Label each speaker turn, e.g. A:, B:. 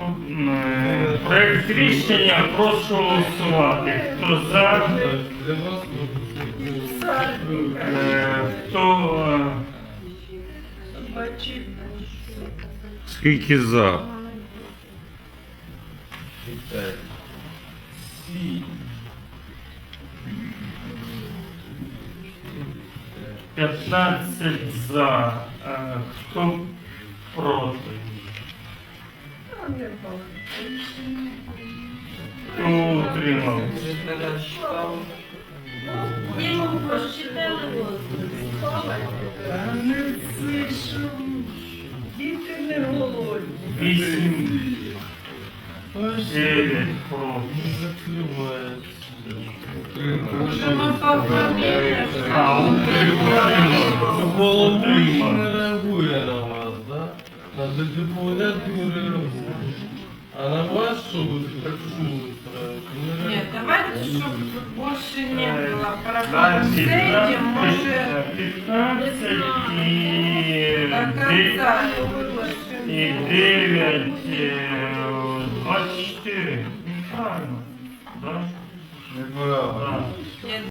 A: Проект рішення прошу голосувати. Хто за? Хто?
B: Скільки за?
A: 15 за. Хто проти? Хто утримався?
C: Діму прочитали діти не голодні.
A: 8, 9 проти.
D: Голову не реагує на вас, да? Надо депутат не реагує. А на вас что вы так шумите?
C: Нет, давайте, чтобы больше не было проблем.
A: Значить,
C: Зайдем, может,
A: 15
C: до конца
A: і 9, 24. Правильно? Да?
D: Неправильно.
A: Да.